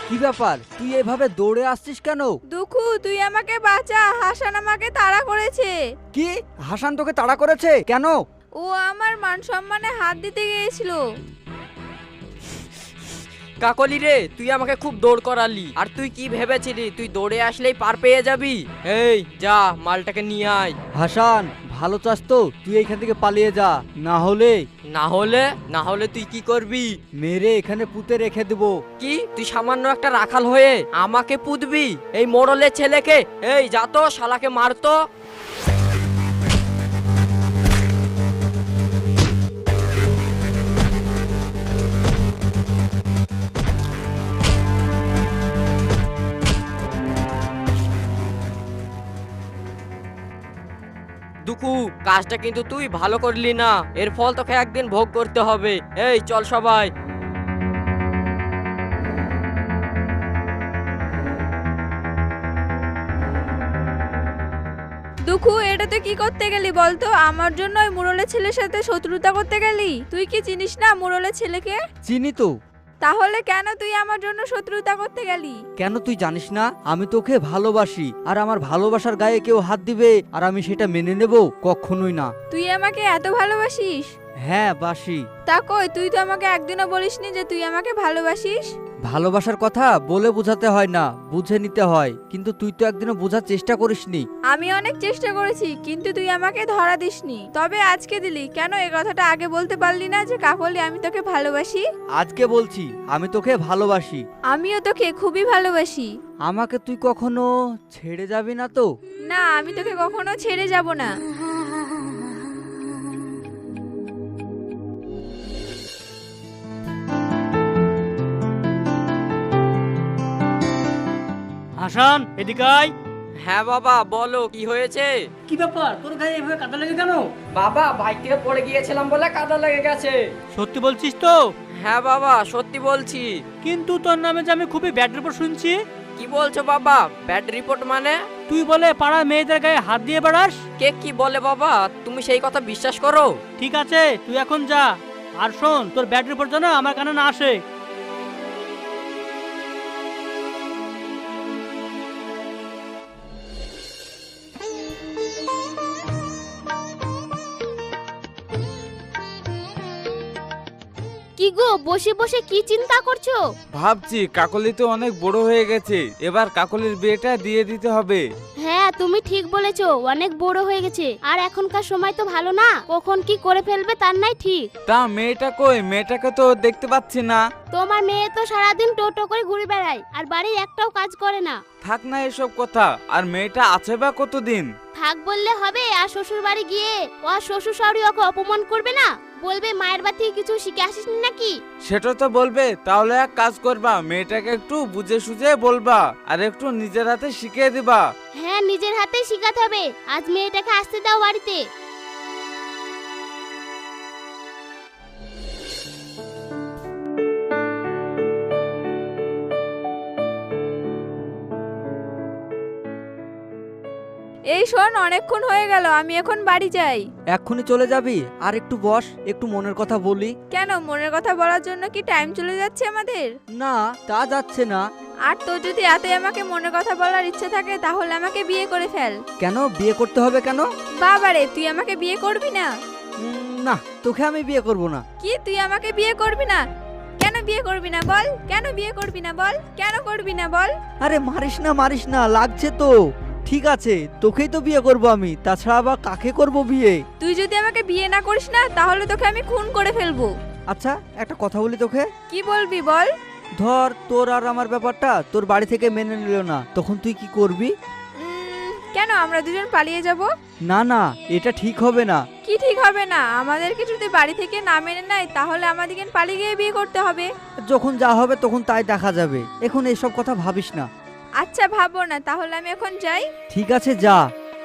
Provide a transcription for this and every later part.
কি ব্যাপার, তুই এভাবে দৌড়ে আসছিস কেন? দুঃখু, তুই আমাকে বাঁচা, হাসান আমাকে তাড়া করেছে। কি? হাসান তোকে তাড়া করেছে কেন? ও আমার মান সম্মানে হাত দিতে গিয়েছিল। কাকলি রে, তুই আমাকে খুব দৌড় করালি। আর তুই কি ভেবেছিলি তুই দৌড়ে আসলেই পার পেয়ে যাবি? এই যা, মালটাকে নিয়ে আয়। হাসান, ভালো চাস তো তুই এইখান থেকে পালিয়ে যা, না হলে না হলে তুই কি করবি? মেরে এখানে পুঁতে রেখে দেবো। কি তুই সামান্য একটা রাখাল হয়ে আমাকে পুতবি? এই মোড়লের ছেলেকে? এই যা তো, শালাকে মারতো। দুকু, কাজটা কিন্তু তুই ভালো করলি না। এর ফল তোকে একদিন ভোগ করতে হবে। এই চল সবাই। দুঃখু, এটা তুই কি করতে গেলি বলতো? আমার জন্য ওই মুরলের ছেলের সাথে শত্রুতা করতে গেলি? তুই কি চিনিস না মুরলের ছেলেকে? চিনি তো। তাহলে কেন তুই আমার জন্য শত্রুতা করতে গেলি? কেন তুই জানিস না আমি তোকে ভালোবাসি, আর আমার ভালোবাসার গায়ে কেউ হাত দিবে আর আমি সেটা মেনে নেব? কখনোই না। তুই আমাকে এত ভালোবাসিস? হ্যাঁ, বাসি। তা কই, তুই তো আমাকে একদিনও বলিসনি যে তুই আমাকে ভালোবাসিস। ভালোবাসার কথা বলে বোঝাতে হয় না, বুঝে নিতে হয়। কিন্তু তুই তো একদিনও বোঝার চেষ্টা করিসনি। আমি অনেক চেষ্টা করেছি, কিন্তু তুই আমাকে ধরা দিসনি। তবে আজকে দিলি কেন? এই কথাটা আগে বলতে পারলি না যে কাকলি আমি তোকে ভালোবাসি? আজকে বলছি আমি তোকে ভালোবাসি। আমিও তোকে খুবই ভালোবাসি। আমাকে তুই কখনো ছেড়ে যাবি না তো? না, আমি তোকে কখনো ছেড়ে যাব না। হাসান, এদিকে আয়। হ্যাঁ বাবা, বলো কি হয়েছে? কি ব্যাপার, তোর গায়ে এভাবে কাদা লেগে কেন? বাবা, বাইক থেকে পড়ে গিয়েছিলাম বলে কাদা লেগে গেছে। সত্যি বলছিস তো? হ্যাঁ বাবা, সত্যি বলছি। কিন্তু তোর নামে যে আমি খুবই ব্যাড রিপোর্ট শুনছি। কি বলছো বাবা? ব্যাড রিপোর্ট মানে? তুই বলে পাড়া মেয়েদের গায়ে হাত দিয়ে বেড়াস। কে কি বলে বাবা? তুমি সেই কথা বিশ্বাস করো? ঠিক আছে, তুই এখন যা। আর শোন, তোর ব্যাড রিপোর্ট যেন আমার কানে না আসে। কি গো, বসে বসে কি চিন্তা করছো? ভাবছি কাকলি তো অনেক বড় হয়ে গেছে, এবার কাকলির বিয়েটা দিয়ে দিতে হবে। হ্যাঁ, তুমি ঠিক বলেছো, অনেক বড় হয়ে গেছে। আর এখনকার সময় তো ভালো না, কখন কি করে ফেলবে তার নাই ঠিক। তা মেয়েটা কই? মেয়েটাকে তো দেখতে পাচ্ছি না। তোমার মেয়ে তো সারাদিন টোটো করে ঘুরে বেড়ায়, আর বাড়ির একটাও কাজ করে না। থাক না এসব কথা, আর মেয়েটা আছে বা কতদিন? থাক বললে হবে? আর শ্বশুর বাড়ি গিয়ে ও শ্বশুর শাশুড়ি ওকে অপমান করবে না? বলবে মায়ের বাড়ি থেকে কিছু শিখে আসিসনি নাকি? সেটা তো বলবে। তাহলে এক কাজ করবা, মেয়েটাকে একটু বুঝে সুঝে বলবা, আর একটু নিজের হাতে শিখিয়ে দিবা। হ্যাঁ, নিজের হাতেই শিখাতে হবে। আজ মেয়েটাকে আসতে দাও বাড়িতে। এই শোন, অনেকক্ষণ হয়ে গেল, আমি এখন বাড়ি যাই। এক্ষুনি চলে যাবি? আর একটু বস, একটু মনের কথা বলি। কেন, মনের কথা বলার জন্য কি টাইম চলে যাচ্ছে আমাদের? না, তা যাচ্ছে না। আর তোর যদি এতই আমাকে মনের কথা বলার ইচ্ছে থাকে তাহলে আমাকে বিয়ে করে ফেল। কেন বিয়ে করতে হবে কেন? বাবারে, তুই আমাকে বিয়ে করবি না? না, তোকে আমি বিয়ে করব না। কি, তুই আমাকে বিয়ে করবি না? কেন বিয়ে করবি না বল? কেন বিয়ে করবি না বল? কেন করবি না বল? আরে মারিস না, লাগছে তো। ঠিক আছে, তোকেই তো বিয়ে করব আমি, তাছাড়া আবার কাকে করব বিয়ে? তুই যদি আমাকে বিয়ে না করিস না তাহলে তোকে আমি খুন করে ফেলবো। আচ্ছা, একটা কথা বলি তোকে। কি বলবি বল? ধর তোর আর আমার ব্যাপারটা তোর বাড়ি থেকে মেনে নিল না, তখন তুই কি করবি? কেন, আমরা দুজন পালিয়ে যাব? না না, এটা ঠিক হবে না। কি ঠিক হবে না? আমাদেরকে যদি বাড়ি থেকে না মেনে নেয় তাহলে আমাদেরকে পালিয়ে গিয়ে বিয়ে করতে হবে। যখন যা হবে তখন তাই দেখা যাবে, এখন এসব কথা ভাবিস না। আচ্ছা, ভাবো না, তাহলে আমি এখন যাই। ঠিক আছে, যা।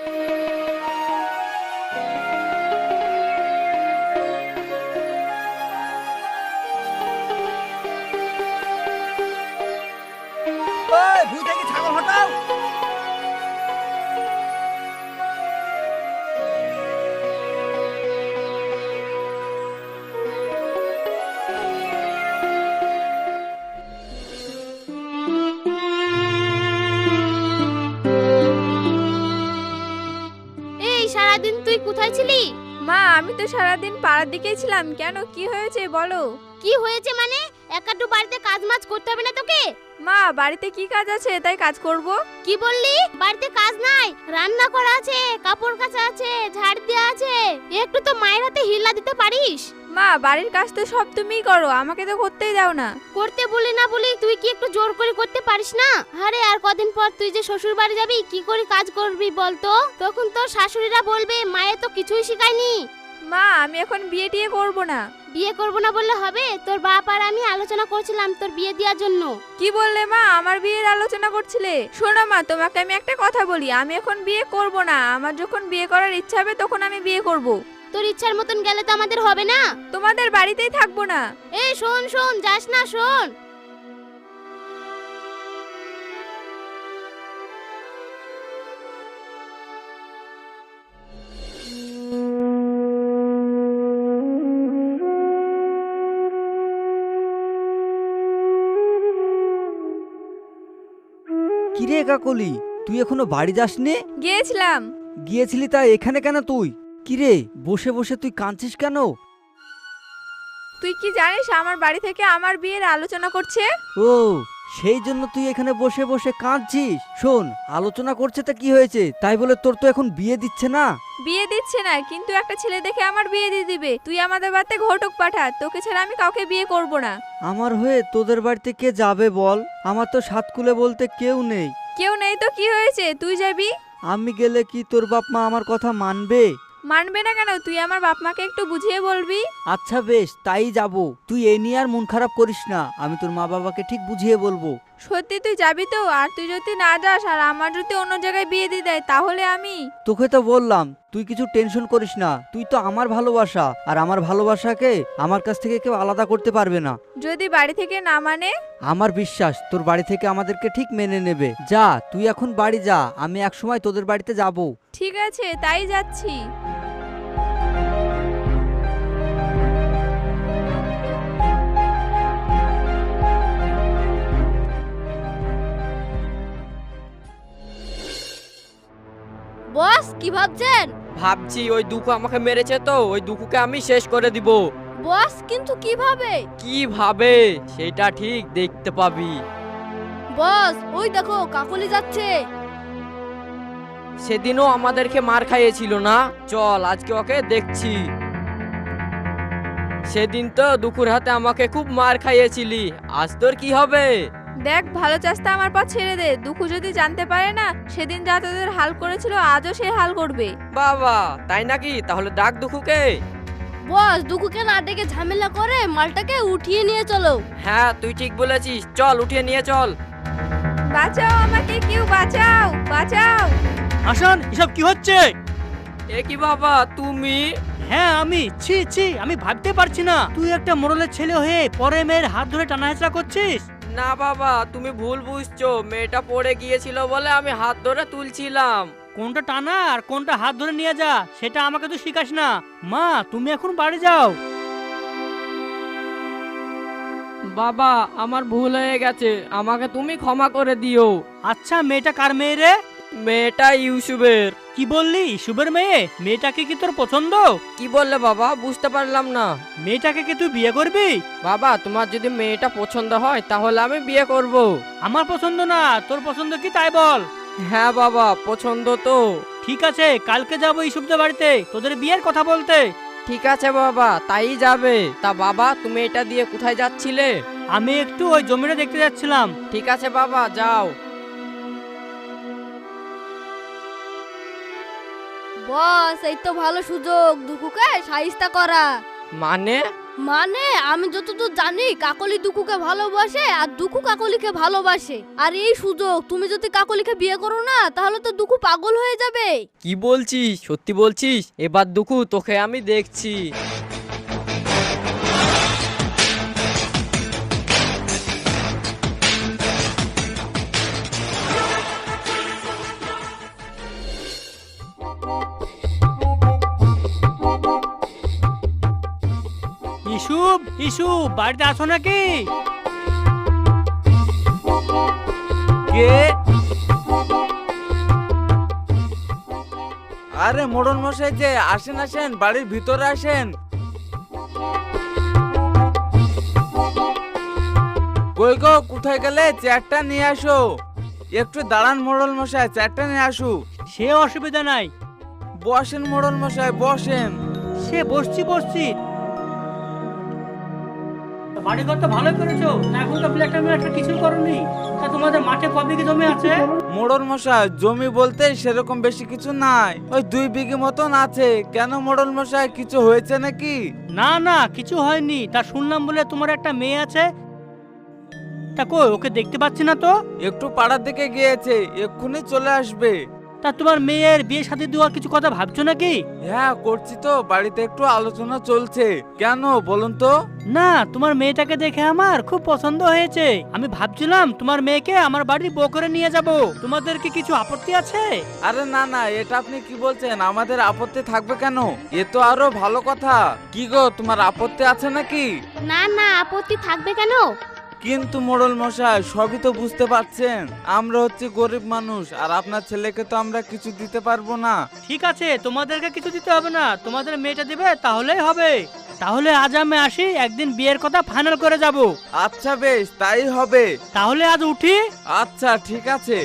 ভুঁই থেকে ছাগল হটাও। কোথায় ছিলি? মা আমি তো সারাদিন পাড়ার দিকেই ছিলাম। কেন, কি হয়েছে বলো? কি হয়েছে মানে? একাটু বাড়িতে কাজ মাজ করতে হবে না তোকে? মা বাড়িতে কি কাজ আছে তাই কাজ করব? কি বললি? বাড়িতে কাজ নাই? রান্না করা আছে, কাপড় কাচা আছে, ঝাড় দেওয়া আছে। একটু তো মায়ের হাতে হিলা দিতে পারিস। মা বাড়ির কাজ তো সব তুমিই করো, আমাকে তো করতেই দাও না। করতে বলি না বলি তুই কি একটু জোর করে করতে পারিস না? আরে আর কদিন পর তুই যে শ্বশুর বাড়ি যাবি, কি করে কাজ করবি বলতো? তখন তোর শাশুড়িরা বলবে মায়ে তো কিছুই শেখায়নি। মা আমি এখন বিয়ে টিয়ে করবো না। বিয়ে করবো না বললে হবে? তোর বাপ আর আমি আলোচনা করছিলাম তোর বিয়ে দেওয়ার জন্য। কি বললে মা? আমার বিয়ের আলোচনা করছিলে? শোনো মা, তোমাকে আমি একটা কথা বলি, আমি এখন বিয়ে করব না। আমার যখন বিয়ে করার ইচ্ছা হবে তখন আমি বিয়ে করব। তোর ইচ্ছার মতন গেলে তো আমাদের হবে না। তোমাদের বাড়িতেই থাকবো না। এই শোন শোন, যাস না, শোন। কিরে কাকলি, তুই এখনো বাড়ি যাসনি? গিয়েছিলাম। গিয়েছিলি তা এখানে কেন তুই? কিরে বসে বসে তুই কাঁদছিস কেন? তুই কি জানিস আমার বাড়ি থেকে আমার বিয়ের আলোচনা করছে? ও সেই জন্য তুই এখানে বসে বসে কাঁদছিস? শোন, আলোচনা করছে তা কি হয়েছে, তাই বলে তোর তো এখন বিয়ে দিচ্ছে না। বিয়ে দিচ্ছে না, কিন্তু একটা ছেলে দেখে আমার বিয়ে দিয়ে দিবে। তুই আমাদের বাড়িতে ঘটক পাঠা, তোকে ছাড়া আমি কাউকে বিয়ে করব না। আমার হয়ে তোদের বাড়িতে কে যাবে বল? আমার তো সাতকুলে বলতে কেউ নেই। কেউ নেই তো কি হয়েছে, তুই যাবি। আমি গেলে কি তোর বাপ মা আমার কথা মানবে? মানবে না কেন? তুই আমার বাপ মাকে একটু বুঝিয়ে বলবি। আচ্ছা বেশ, তাই যাব। তুই এ নিয়ে আর মন খারাপ করিস না, আমি তোর মা বাবাকে ঠিক বুঝিয়ে বলবো। সত্যি তুই যাবি তো? আর তুই যদি না যাস আর আমার যদি অন্য জায়গায় বিয়ে দিয়ে দেয় তাহলে আমি। তোকে তো বললাম তুই কিছু টেনশন করিস না, তুই তো আমার ভালোবাসা, আর আমার ভালোবাসাকে আমার কাছ থেকে কেউ আলাদা করতে পারবে না। যদি বাড়ি থেকে না মানে? আমার বিশ্বাস তোর বাড়ি থেকে আমাদেরকে ঠিক মেনে নেবে। যা তুই এখন বাড়ি যা, আমি একসময় তোদের বাড়িতে যাব। ঠিক আছে, তাই যাচ্ছি। বস কি ভাবছেন? ভাবছি ওই দুঃখু আমাকে মেরেছে তো, ওই দুঃখুকে আমি শেষ করে দিব। বস কিন্তু কিভাবে? কিভাবে সেটা ঠিক দেখতে পাবি। বস ওই দেখো কাকলি যাচ্ছে। সেদিনও আমাদেরকে মার খাইয়েছিল না? চল আজকে ওকে দেখছি। সেদিন তো দুঃখুর হাতে আমাকে খুব মার খাইয়েছিলি, আজ তোর কি হবে? দেখ, ভালো চাষটা আমার পর ছেড়ে দে। দুঃখু যদি জানতে পারে না সেদিন যা তোদের হাল করেছিল আজও সে হাল করবে। বাবা তাই নাকি? তাহলে ডাক দুঃখুকে। বস দুকুকে না ডেকে ঝামেলা করে মালটাকে উঠিয়ে নিয়ে চলো। হ্যাঁ তুই ঠিক বলেছিস, চল উঠিয়ে নিয়ে চল। বাঁচাও আমাকে, কেউ বাঁচাও, বাঁচাও। হাসান, এসব কি হচ্ছে? এ কি বাবা তুমি? হ্যাঁ আমি। ছি ছি, আমি ভাবতে পারছি না তুই একটা মোড়লের ছেলে হয়ে পরে মেয়ের হাত ধরে টানাহেঁচড়া করছিস। না বাবা তুমি ভুল বুঝছো, মেয়েটা পড়ে গিয়েছিল বলে আমি হাত ধরে তুলছিলাম। কোনটা টানা আর কোনটা হাত ধরে নিয়ে যা সেটা আমাকে তো শিখাস না। মা তুমি এখন বাড়ি যাও। বাবা আমার ভুল হয়ে গেছে, আমাকে তুমি ক্ষমা করে দিও। আচ্ছা মেয়েটা কার মেয়ে রে? মেয়েটা ইউসুফের। কি বললি? শুভের মেয়ে? মেয়েটাকে কি তোর পছন্দ? কি বললে বাবা? বুঝতে পারলাম না। মেয়েটাকে কি তুই বিয়ে করবি? বাবা তোমার যদি মেয়েটা পছন্দ হয় তাহলে আমি বিয়ে করব। আমার পছন্দ না, তোর পছন্দ কি তাই বল। হ্যাঁ বাবা পছন্দ তো। ঠিক আছে, কালকে যাবো ইসুফদের বাড়িতে তোদের বিয়ের কথা বলতে। ঠিক আছে বাবা, তাই যাবে। তা বাবা তুমি এটা দিয়ে কোথায় যাচ্ছিলে? আমি একটু ওই জমিটা দেখতে যাচ্ছিলাম। ঠিক আছে বাবা যাও। বস এই তো ভালো সুযোগ দুকুকে শাইস্তা করা। মানে? মানে আমি যতদূর জানি কাকলি দুকুকে ভালোবাসে আর দুকু কাকলিকে ভালোবাসে। আর এই সুযোগ, তুমি যদি কাকলিকে বিয়ে করো না তাহলে তো দুকু পাগল হয়ে যাবে। কি বলছিস? সত্যি বলছিস? এবার দুঃখু তোকে আমি দেখছি। ইসুফ, ইসুফ বাড়িতে আছো নাকি? কে? আরে মোড়ল মশাই যে, আসেন আসেন, বাড়ির ভিতরে আসেন। কই গো, কোথায় গেলে? চেয়ারটা নিয়ে আসো। একটু দাঁড়ান মোড়ল মশাই, চেয়ারটা নিয়ে আসু। সে অসুবিধা নাই, বসেন মোড়ল মশাই, বসেন। সে বসছি। বাড়িঘর তো ভালো করেছো, তা এখন তো ফ্ল্যাটটা কিছু করনি। তা তোমাদের মাঠে কবে কি জমি আছে? মোড়ল মশাই, জমি বলতে সেরকম বেশি কিছু নাই, ওই 2 বিঘে মতন আছে। কেন মোড়ল মশাই, কিছু হয়েছে নাকি? না কিছু হয়নি। তা শুনলাম বলে তোমার একটা মেয়ে আছে, তা কই ওকে দেখতে পাচ্ছি না তো। একটু পাড়ার দিকে গিয়েছে, এক্ষুনি চলে আসবে। তা তোমার মেয়ের বিয়ে শাদী দেওয়ার কিছু কথা ভাবছো নাকি? হ্যাঁ করছি তো, বাড়িতে একটু আলোচনা চলছে। কেন বলুন তো? না, তোমার মেয়েটাকে দেখে আমার খুব পছন্দ হয়েছে। আমি ভাবছিলাম তোমার মেয়েকে আমার বাড়ি বউ করে নিয়ে যাব। তোমাদের কি কিছু আপত্তি আছে? আরে না, এটা আপনি কি বলছেন? আমাদের আপত্তি থাকবে কেন? এ তো আরো ভালো কথা। কি গো, তোমার আপত্তি আছে নাকি? না আপত্তি থাকবে কেন? কিন্তু মোড়ল মশাই, সবই তো বুঝতে পারছেন, আমরা হচ্ছে গরিব মানুষ, আর আপনার ছেলেকে তো আমরা কিছু দিতে পারবো না। ঠিক আছে, তোমাদেরকে কিছু দিতে হবে না, তোমাদের মেয়েটা দিবে তাহলেই হবে। তাহলে আজ আমি আসি, একদিন বিয়ের কথা ফাইনাল করে যাব। আচ্ছা বেশ, তাই হবে। তাহলে আজ উঠি। আচ্ছা ঠিক আছে।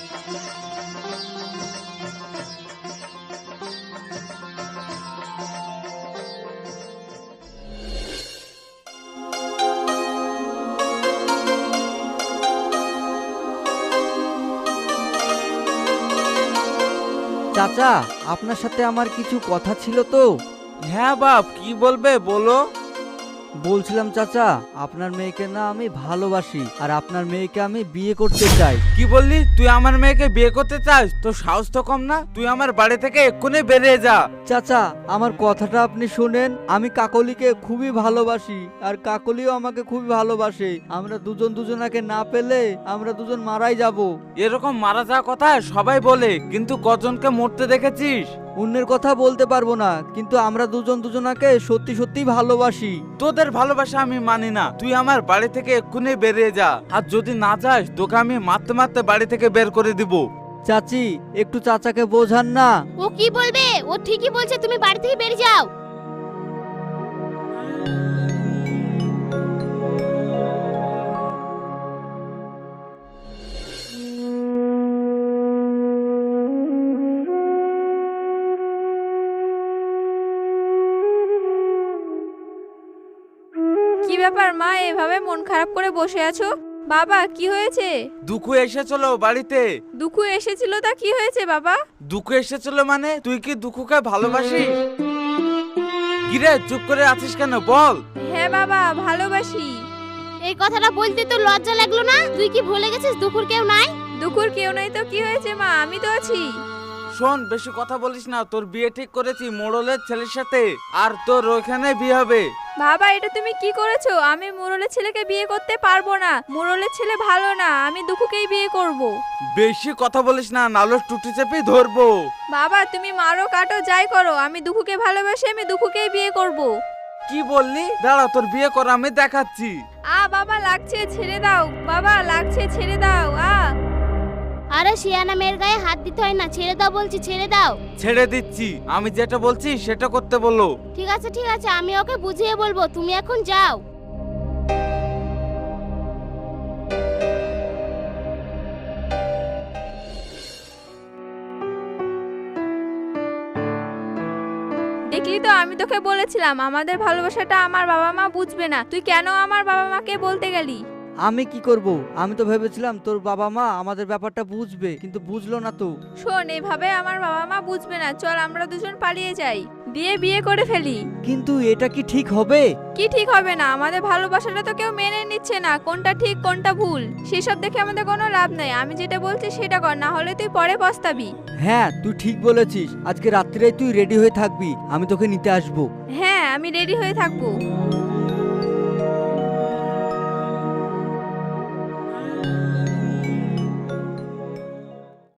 চাচা, আপনার সাথে আমার কিছু কথা ছিল তো। হ্যাঁ বাপ, কি বলবে বলো। বলছিলাম চাচা, আপনার মেয়েকে না আমি ভালোবাসি, আর আপনার মেয়েকে আমি বিয়ে করতে চাই। কি বললি? তুই আমার মেয়েকে বিয়ে করতে চাস? তোর সাহস তো কম না? তুই আমার বাড়ি থেকে এক্ষুনি বেরিয়ে যা। চাচা, আমার কথাটা আপনি শুনেন। আমি কাকলিকে খুবই ভালোবাসি, আর কাকলিও আমাকে খুবই ভালোবাসে। আমরা দুজন দুজনাকে না পেলে আমরা দুজন মারাই যাব। এরকম মারা যাওয়ার কথা সবাই বলে, কিন্তু কজনকে মরতে দেখেছিস? অন্যের কথা বলতে পারবো না, কিন্তু আমরা দুজন দুজনাকে সত্যি সত্যি ভালোবাসি। তোদের ভালোবাসা আমি মানি না। তুই আমার বাড়ি থেকে এক্ষুনি বেরিয়ে যা, আর যদি না যাস তোকে আমি মারতে মারতে বাড়ি থেকে বের করে দিব। চাচি, একটু চাচাকে বোঝান না। ও কি বলবে? ও ঠিকই বলছে, তুমি বাড়ি থেকে বেরিয়ে যাও। কি ব্যাপার মা, এভাবে মন খারাপ করে বসে আছো? বাবা কি হয়েছে? দুঃখ এসেছিল বাড়িতে। দুঃখ এসেছিল, তা কি হয়েছে বাবা? দুঃখ এসেছিল মানে? তুই কি দুঃখকে ভালোবাসিস? কিরে, চুপ করে আছিস কেন, বল। হ্যাঁ বাবা, ভালোবাসি। এই কথাটা বলতে তো লজ্জা লাগলো না? তুই কি ভুলে গেছিস দুপুর কেউ নাই? দুঃখুর কেউ নাই তো কি হয়েছে মা, আমি তো আছি। শোন, বেশি কথা বলিস না। তোর বিয়ে ঠিক করেছি মোড়লের ছেলের সাথে, আর তোর ওখানে বিয়ে হবে। বাবা, এটা তুমি কি করেছো? আমি মুরলের ছেলেকে বিয়ে করতে পারবো না। মুরলের ছেলে ভালো না, আমি দুঃখকেই বিয়ে করব। বেশি কথা বলিস না, নাহলে টুটি চেপে ধরবো। বাবা, তুমি মারো কাটো যাই করো, আমি দুঃখকে ভালোবাসি, আমি দুঃখকেই বিয়ে করব। কি বললি? দাঁড়া, তোর বিয়ে কর, আমি দেখাচ্ছি। বাবা লাগছে, ছেড়ে দাও। বাবা লাগছে, ছেড়ে দাও। আরে শিয়ানা মেয়ের গায়ে হাত দিতে হয় না, ছেড়ে দাও বলছি, ছেড়ে দাও। ছেড়ে দিচ্ছি, আমি যেটা বলছি সেটা করতে বলো। ঠিক আছে, আমি ওকে বুঝিয়ে বলবো, তুমি এখন যাও। দেখলি তো, আমি তোকে বলেছিলাম আমাদের ভালোবাসাটা আমার বাবা মা বুঝবে না। তুই কেন আমার বাবা মাকে বলতে গেলি? আমি কি করব? আমি তো ভেবেছিলাম তোর বাবা মা আমাদের ব্যাপারটা বুঝবে, কিন্তু বুঝলো না তো। শোন, এভাবে আমার বাবা মা বুঝবে না। চল আমরা দুজন পালিয়ে যাই, দিয়ে বিয়ে করে ফেলি। কিন্তু এটা কি ঠিক হবে? কি ঠিক হবে না? আমাদের ভালোবাসাটা তো কেউ মেনে নিচ্ছে না, কোনটা ঠিক কোনটা ভুল সেসব দেখে আমাদের কোনো লাভ নাই। আমি যেটা বলছি সেটা কর, না হলে তুই পরে পস্তাবি। হ্যাঁ, তুই ঠিক বলেছিস। আজকে রাত্রে তুই রেডি হয়ে থাকবি, আমি তোকে নিতে আসবো। হ্যাঁ, আমি রেডি হয়ে থাকবো।